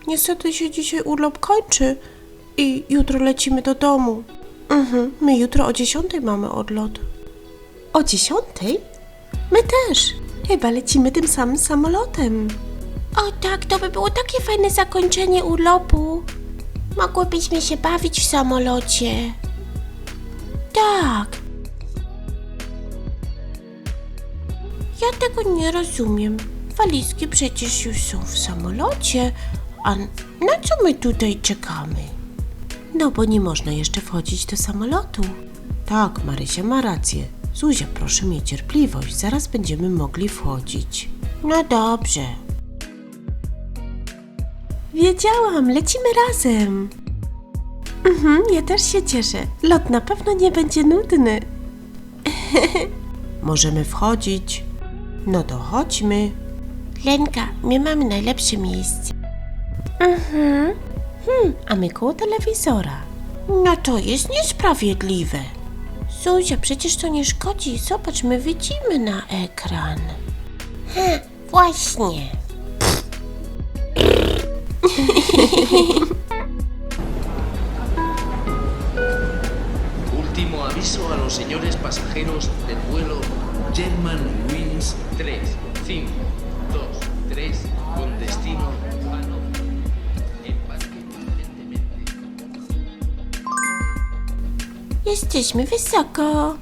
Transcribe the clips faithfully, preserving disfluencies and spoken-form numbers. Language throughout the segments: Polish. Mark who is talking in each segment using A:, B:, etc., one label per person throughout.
A: niestety się dzisiaj urlop kończy i jutro lecimy do domu. Mhm, my jutro o dziesiątej mamy odlot. O dziesiątej? My też. Chyba lecimy tym samym samolotem. O tak, to by było takie fajne zakończenie urlopu. Mogłybyśmy się bawić w samolocie. Tak. Ja tego nie rozumiem. Walizki przecież już są w samolocie, a na co my tutaj czekamy? No bo nie można jeszcze wchodzić do samolotu. Tak, Marysia ma rację. Zuzia, proszę mieć cierpliwość, zaraz będziemy mogli wchodzić. No dobrze. Wiedziałam, lecimy razem. Mhm, ja też się cieszę. Lot na pewno nie będzie nudny. Możemy wchodzić. No to chodźmy. Lenka, my mamy najlepsze miejsce. Mhm. Hmm, a my koło telewizora. No to jest niesprawiedliwe. Zuzia, przecież to nie szkodzi. Zobacz, my widzimy na ekran. Ha, właśnie.
B: Último aviso a los señores pasajeros del vuelo Germanwings tres cinco dos tres con destino Hannover. Embarque urgentemente.
A: Jesteśmy wysoko.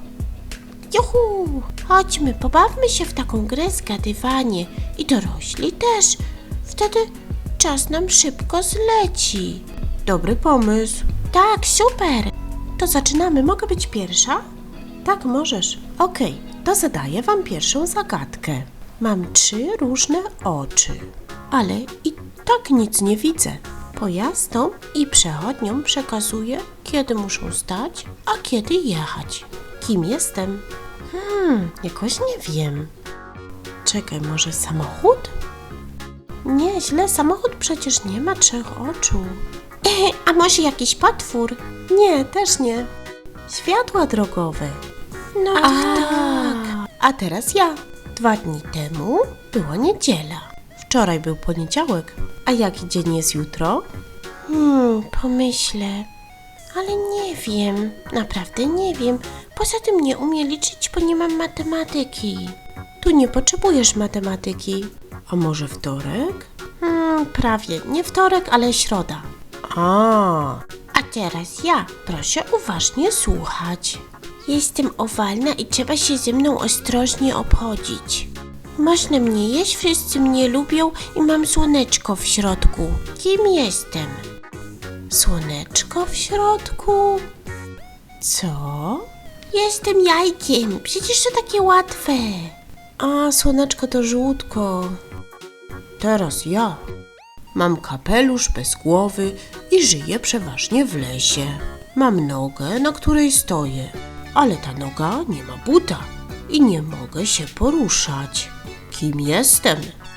A: Juhu! Chodźmy, pobawmy się w taką grę zgadywanie. I dorośli też. Wtedy czas nam szybko zleci. Dobry pomysł. Tak, super. To zaczynamy. Mogę być pierwsza? Tak, możesz. Okej, to zadaję wam pierwszą zagadkę. Mam trzy różne oczy, ale i tak nic nie widzę. Pojazdom i przechodniom przekazuję, kiedy muszą stać, a kiedy jechać. Kim jestem? Hmm, jakoś nie wiem. Czekaj, może samochód? Nie, źle, samochód przecież nie ma trzech oczu. A może jakiś potwór? Nie, też nie. Światła drogowe. No Ach, tak. A teraz ja. Dwa dni temu była niedziela. Wczoraj był poniedziałek. A jaki dzień jest jutro? Hmm, pomyślę. Ale nie wiem. Naprawdę nie wiem. Poza tym nie umiem liczyć, bo nie mam matematyki. Tu nie potrzebujesz matematyki. A może wtorek? Hmm, prawie. Nie wtorek, ale środa. A. A teraz ja. Proszę uważnie słuchać. Jestem owalna i trzeba się ze mną ostrożnie obchodzić. Można mnie jeść, wszyscy mnie lubią i mam słoneczko w środku. Kim jestem? Słoneczko w środku? Co? Jestem jajkiem. Przecież to takie łatwe. A, słoneczko to żółtko. Teraz ja. Mam kapelusz bez głowy i żyję przeważnie w lesie. Mam nogę, na której stoję, ale ta noga nie ma buta i nie mogę się poruszać. Kim jestem?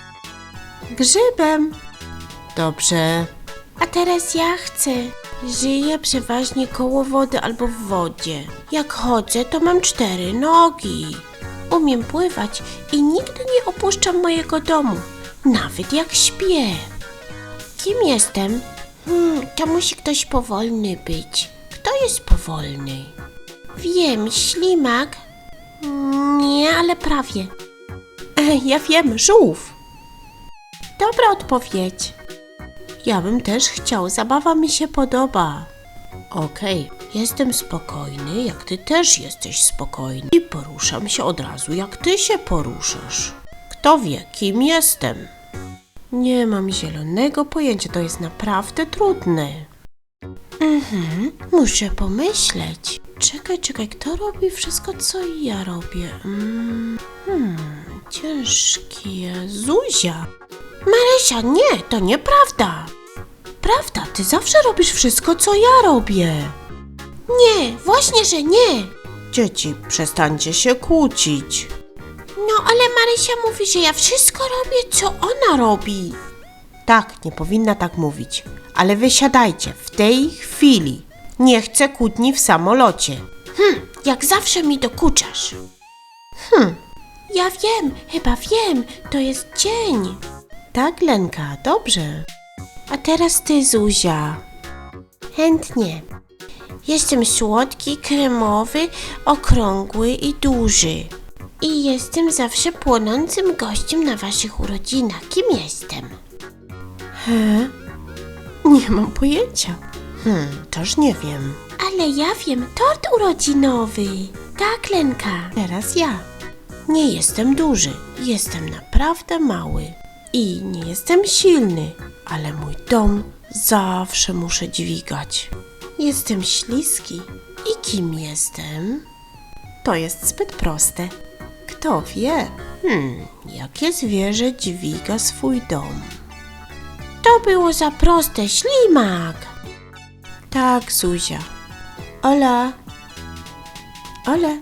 A: Grzybem. Dobrze. A teraz ja chcę. Żyję przeważnie koło wody albo w wodzie. Jak chodzę, to mam cztery nogi. Umiem pływać i nigdy nie opuszczam mojego domu, nawet jak śpię. Kim jestem? Hmm, to musi ktoś powolny być. Kto jest powolny? Wiem, ślimak. Nie, ale prawie. E, ja wiem, żółw. Dobra odpowiedź. Ja bym też chciał, zabawa mi się podoba. Okej, jestem spokojny, jak ty też jesteś spokojny. I poruszam się od razu, jak ty się poruszasz. Kto wie, kim jestem? Nie mam zielonego pojęcia, to jest naprawdę trudne. Mhm, muszę pomyśleć. Czekaj, czekaj, kto robi wszystko, co ja robię? Mm, hmm, ciężkie. Zuzia. Marysia, nie, to nieprawda. Prawda, ty zawsze robisz wszystko, co ja robię. Nie, właśnie, że nie. Dzieci, przestańcie się kłócić. No, ale Marysia mówi, że ja wszystko robię, co ona robi. Tak, nie powinna tak mówić. Ale wysiadajcie, w tej chwili. Nie chcę kłótni w samolocie. Hm, jak zawsze mi dokuczasz. Hm, ja wiem, chyba wiem, to jest dzień. Tak, Lenka, dobrze. A teraz ty, Zuzia. Chętnie. Jestem słodki, kremowy, okrągły i duży. I jestem zawsze płonącym gościem na waszych urodzinach. Kim jestem? He? Nie mam pojęcia. Hmm, też nie wiem. Ale ja wiem, tort urodzinowy. Tak, Lenka. Teraz ja. Nie jestem duży, jestem naprawdę mały. I nie jestem silny, ale mój dom zawsze muszę dźwigać. Jestem śliski. I kim jestem? To jest zbyt proste. Kto wie? Hmm, jakie zwierzę dźwiga swój dom? To było za proste, ślimak. Tak, Zuzia. Ola. Ola.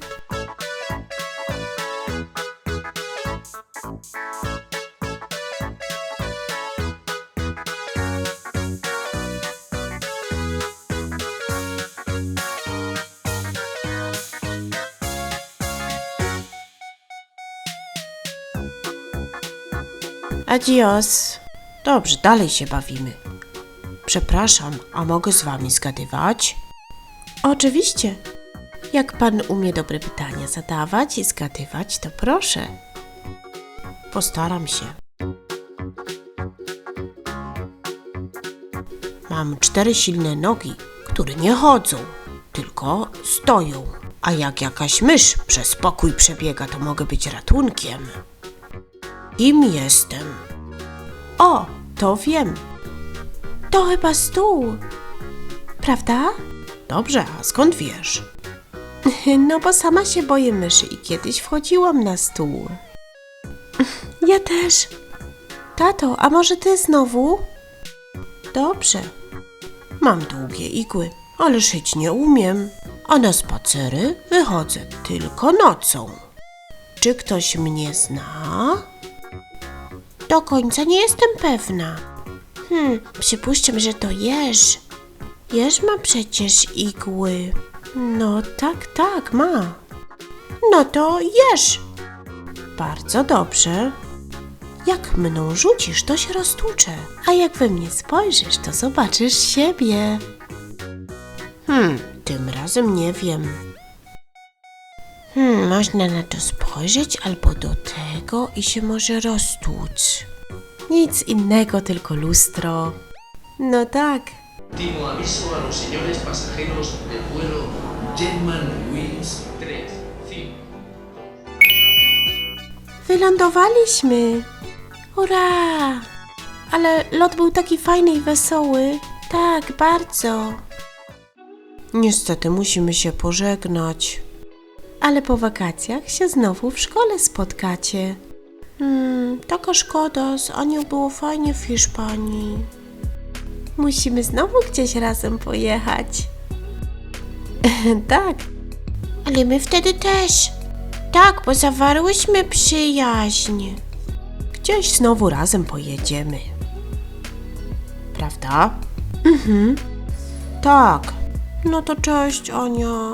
A: Adios. Dobrze, dalej się bawimy. Przepraszam, a mogę z wami zgadywać? Oczywiście. Jak pan umie dobre pytania zadawać i zgadywać, to proszę. Postaram się. Mam cztery silne nogi, które nie chodzą, tylko stoją. A jak jakaś mysz przez pokój przebiega, to mogę być ratunkiem. Kim jestem? O, to wiem. To chyba stół. Prawda? Dobrze, a skąd wiesz? No bo sama się boję myszy i kiedyś wchodziłam na stół. Ja też. Tato, a może ty znowu? Dobrze. Mam długie igły, ale szyć nie umiem. A na spacery wychodzę tylko nocą. Czy ktoś mnie zna? Do końca nie jestem pewna. Hmm, przypuszczam, że to jeż. Jeż ma przecież igły. No tak, tak, ma. No to jeż. Bardzo dobrze. Jak mną rzucisz, to się roztłuczę. A jak we mnie spojrzysz, to zobaczysz siebie. Hmm, tym razem nie wiem. Hmm, można na to spojrzeć albo do tego i się może roztłuc. Nic innego, tylko lustro. No tak.
B: Último aviso a los señores pasajeros del vuelo Germanwings tres, cinco.
A: Wylądowaliśmy. Hurra! Ale lot był taki fajny i wesoły. Tak, bardzo. Niestety musimy się pożegnać. Ale po wakacjach się znowu w szkole spotkacie. Hmm, taka szkoda, z Anią było fajnie w Hiszpanii. Musimy znowu gdzieś razem pojechać. Tak. Ale my wtedy też. Tak, bo zawarłyśmy przyjaźń. Gdzieś znowu razem pojedziemy. Prawda? Mhm. Tak. No to cześć, Ania.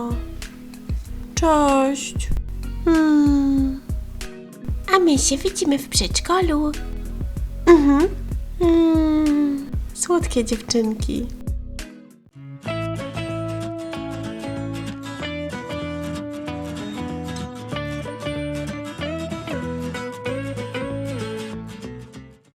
A: Cześć. Hmm. A my się widzimy w przedszkolu. Mhm. Hmm. Słodkie dziewczynki.